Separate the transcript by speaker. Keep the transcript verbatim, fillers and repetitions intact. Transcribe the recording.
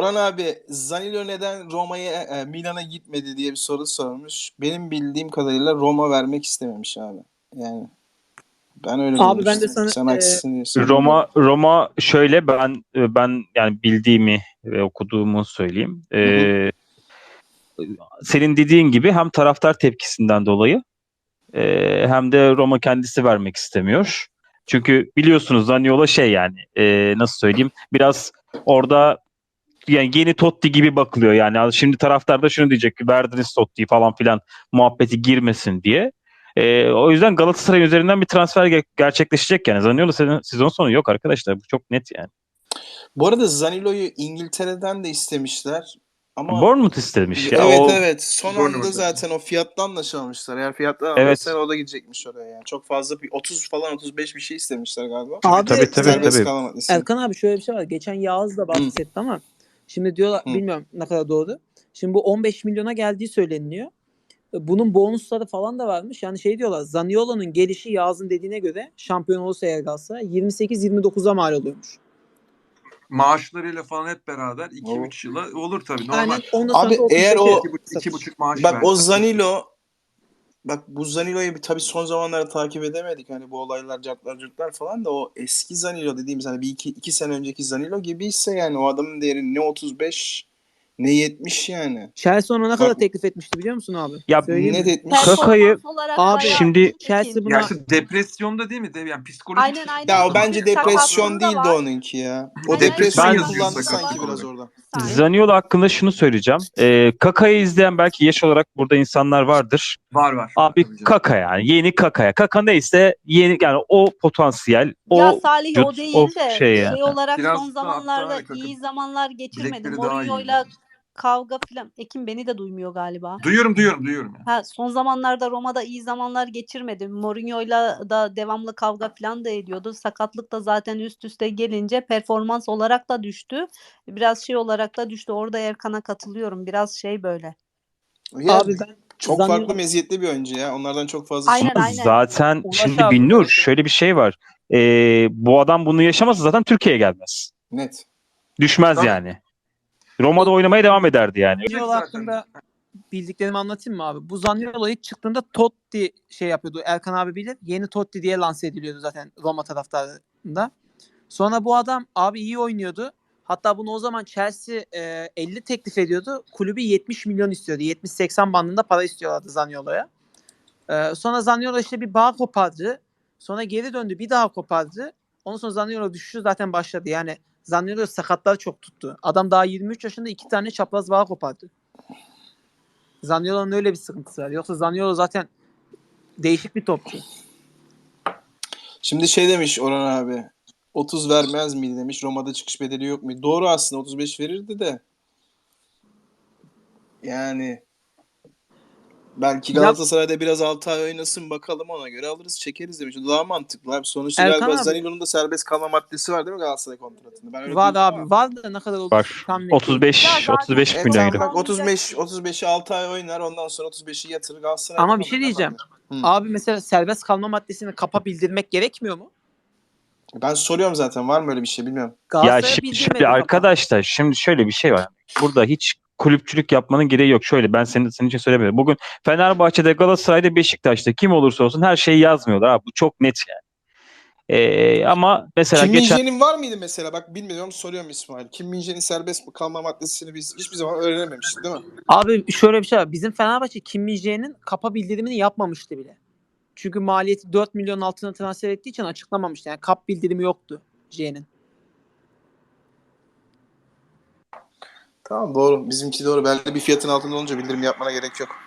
Speaker 1: Orhan abi, Zaniolo neden Roma'ya, e, Milan'a gitmedi diye bir soru sormuş. Benim bildiğim kadarıyla Roma vermek istememiş abi. Yani ben öyle
Speaker 2: Abi ben de
Speaker 1: duymuştum.
Speaker 2: sana
Speaker 1: Sen
Speaker 2: e,
Speaker 1: haksızsın diye söylüyorum.
Speaker 3: Roma Roma şöyle ben ben yani bildiğimi ve okuduğumu söyleyeyim.
Speaker 1: Hı hı.
Speaker 3: Ee, senin dediğin gibi hem taraftar tepkisinden dolayı e, hem de Roma kendisi vermek istemiyor. Çünkü biliyorsunuz Zaniolo şey yani e, nasıl söyleyeyim biraz orada yani yeni Totti gibi bakılıyor yani. Şimdi taraftar da şunu diyecek ki verdiniz Totti'yi falan filan muhabbeti girmesin diye. Ee, o yüzden Galatasaray üzerinden bir transfer ge- gerçekleşecek yani. Zaniolo sezon, sezon sonu yok arkadaşlar. Bu çok net yani.
Speaker 1: Bu arada Zaniolo'yu İngiltere'den de istemişler. Ama
Speaker 3: Bournemouth istemiş ya.
Speaker 1: evet
Speaker 3: O
Speaker 1: evet son anda
Speaker 4: Bournemouth'ta.
Speaker 1: zaten o fiyatla anlaşamamışlar. Eğer fiyatla
Speaker 3: evet.
Speaker 1: anlaşsalar o da gidecekmiş oraya yani. Çok fazla bir otuz falan otuz beş bir şey istemişler galiba.
Speaker 2: abi
Speaker 3: Tabii tabii
Speaker 1: Serbest
Speaker 3: tabii.
Speaker 1: kalan maddesi.
Speaker 2: Erkan abi şöyle bir şey var. Geçen Yağız da bahsetti ama şimdi diyorlar
Speaker 1: Hı.
Speaker 2: bilmiyorum ne kadar doğru. Şimdi bu on beş milyona geldiği söyleniyor. Bunun bonusları falan da varmış. Yani şey diyorlar. Zaniolo'nun gelişi Yağız'ın dediğine göre şampiyon olursa eğer Galatasaray yirmi sekiz yirmi dokuza mal oluyormuş.
Speaker 4: Maaşlarıyla falan hep beraber iki
Speaker 1: Oo.
Speaker 4: üç yıla olur tabii. Normal.
Speaker 2: Aynen ondan
Speaker 1: Abi
Speaker 2: sonra
Speaker 1: eğer o-
Speaker 4: iki buçuk maaş
Speaker 1: Bak
Speaker 4: verdi.
Speaker 1: o Zanilo Bak bu Zanilo'yu bir tabii son zamanlarda takip edemedik. Hani bu olaylar, cartlar, curtlar falan da o eski Zanilo dediğimiz hani bir iki, iki sene önceki Zanilo gibiyse yani o adamın değeri ne otuz beş ne yetmiş yani.
Speaker 2: Chelsea ona ne
Speaker 1: Bak-
Speaker 2: kadar teklif etmişti biliyor musun abi?
Speaker 3: Ya
Speaker 2: Söyleyeyim
Speaker 1: ne
Speaker 2: mi?
Speaker 1: etmiş?
Speaker 3: Kaka'yı
Speaker 5: Performans olarak
Speaker 2: Abi,
Speaker 5: bayağı
Speaker 3: şimdi
Speaker 5: iyi
Speaker 2: Chelsea
Speaker 5: çekildi.
Speaker 2: buna-
Speaker 4: Ya işte depresyonda değil mi? De, yani psikolojik
Speaker 5: Aynen,
Speaker 4: sıkıntı.
Speaker 5: aynen.
Speaker 1: Ya o bence
Speaker 5: Fizik
Speaker 1: depresyon
Speaker 5: sakatlığı da
Speaker 1: değil de
Speaker 5: var.
Speaker 1: onunki ya. O
Speaker 5: Aynen,
Speaker 1: depresyon
Speaker 3: ben-
Speaker 1: kullandı
Speaker 5: sakatlığı da
Speaker 1: sanki
Speaker 5: var.
Speaker 1: biraz orada.
Speaker 5: Bir saniye.
Speaker 3: Zaniolo hakkında şunu söyleyeceğim. Ee, Kaka'yı izleyen belki yaş olarak burada insanlar vardır.
Speaker 4: Var var.
Speaker 3: Abi
Speaker 4: Tabii canım.
Speaker 3: Kaka yani yeni Kaka'ya. Kaka neyse yeni yani o potansiyel o
Speaker 5: Ya Salih o
Speaker 3: vücut,
Speaker 5: değil
Speaker 3: o
Speaker 5: de
Speaker 3: şey yani.
Speaker 5: şey olarak
Speaker 4: Biraz
Speaker 5: son
Speaker 4: da
Speaker 5: zamanlarda
Speaker 4: hatta Kaka
Speaker 5: iyi zamanlar geçirmedi.
Speaker 4: bilekleri daha iyi.
Speaker 5: Mourinho'yla kavga filan. Ekim beni de duymuyor galiba.
Speaker 4: Duyuyorum duyuyorum duyuyorum. Yani.
Speaker 5: Ha, son zamanlarda Roma'da iyi zamanlar geçirmedi. Mourinho'yla da devamlı kavga falan da ediyordu. Sakatlık da zaten üst üste gelince performans olarak da düştü. Biraz şey olarak da düştü. Orada Erkan'a katılıyorum. Biraz şey böyle.
Speaker 1: Ya,
Speaker 2: Abi ben
Speaker 1: çok
Speaker 2: Zaniolo-
Speaker 1: farklı meziyetli bir oyuncu ya. Onlardan çok fazla
Speaker 5: Aynen,
Speaker 1: çıkmaz.
Speaker 5: aynen.
Speaker 3: Zaten
Speaker 2: Ulaş
Speaker 3: şimdi
Speaker 2: abi,
Speaker 3: Binnur
Speaker 2: Ulaş abi.
Speaker 3: şöyle bir şey var. Ee, bu adam bunu yaşamasa zaten Türkiye'ye gelmez.
Speaker 1: Net.
Speaker 3: Düşmez
Speaker 4: Tabii.
Speaker 3: yani. Roma'da oynamaya devam ederdi yani.
Speaker 2: Zaniolo
Speaker 4: Zaten.
Speaker 2: hakkında bildiklerimi anlatayım mı abi? Bu Zaniolo ilk çıktığında Totti şey yapıyordu. Erkan abi bilir. Yeni Totti diye lanse ediliyordu zaten Roma taraftarında. Sonra bu adam abi iyi oynuyordu. Hatta bunu o zaman Chelsea e, elli teklif ediyordu. Kulübü yetmiş milyon istiyordu. yetmiş seksen bandında para istiyorlardı Zaniolo'ya. E, sonra Zaniolo işte bir bağ kopardı. Sonra geri döndü bir daha kopardı. Ondan sonra Zaniolo düşüşü zaten başladı. Yani Zaniolo sakatlar çok tuttu. Adam daha yirmi üç yaşında iki tane çapraz bağ kopardı. Zaniolo'nun öyle bir sıkıntısı var. Yoksa Zaniolo zaten değişik bir topçu.
Speaker 1: Şimdi şey demiş Orhan abi. otuz vermez miydi demiş. Roma'da çıkış bedeli yok mu? Doğru aslında otuz beş verirdi de. Yani belki
Speaker 2: Ya-
Speaker 1: Galatasaray'da biraz altı ay oynasın bakalım ona göre alırız çekeriz demiş. O daha mantıklı abi. Sonuçta
Speaker 2: Erkan
Speaker 1: galiba
Speaker 2: abi-
Speaker 1: Zaniolo'nun da serbest kalma maddesi var değil mi Galatasaray kontratında? Ben öyle
Speaker 2: Var
Speaker 1: duydum
Speaker 2: abi.
Speaker 1: ama.
Speaker 2: Var da ne kadar olur
Speaker 3: Var.
Speaker 2: tam net değil.
Speaker 3: otuz beş
Speaker 5: Ya zaten-
Speaker 3: otuz beş
Speaker 1: Evet
Speaker 3: milyon
Speaker 1: tamam
Speaker 3: euro.
Speaker 1: bak otuz beş otuz beşi altı ay oynar ondan sonra otuz beşi yatırır Galatasaray.
Speaker 2: Ama bir şey diyeceğim.
Speaker 1: Hı.
Speaker 2: Abi mesela serbest kalma maddesini kapa bildirmek gerekmiyor mu?
Speaker 1: Ben soruyorum zaten var mı öyle bir şey bilmiyorum.
Speaker 3: Ya
Speaker 2: Galatasaray'a
Speaker 3: şimdi,
Speaker 2: bildirmedi
Speaker 3: şimdi
Speaker 2: kapa.
Speaker 3: arkadaşlar şimdi şöyle bir şey var. Burada hiç kulüpçülük yapmanın gereği yok. Şöyle ben senin, senin için söylemiyorum. Bugün Fenerbahçe'de, Galatasaray'da, Beşiktaş'ta kim olursa olsun her şeyi yazmıyorlar. Ha, bu çok net yani. Ee, ama mesela
Speaker 1: Kim
Speaker 3: geçen
Speaker 1: Min-jae'nin var mıydı mesela? Bak bilmiyorum soruyorum İsmail. Kim Min-jae'nin serbest kalma maddesini biz hiçbir zaman öğrenememiştik değil mi?
Speaker 2: Abi şöyle bir şey var. Bizim Fenerbahçe Kim Min-jae'nin kapa bildirimini yapmamıştı bile. Çünkü maliyeti dört milyon altına transfer ettiği için açıklamamıştı. Yani kap bildirimi yoktu J'nin.
Speaker 1: Tamam doğru. Bizimki doğru. Belli bir fiyatın altında olunca bildirim yapmana gerek yok.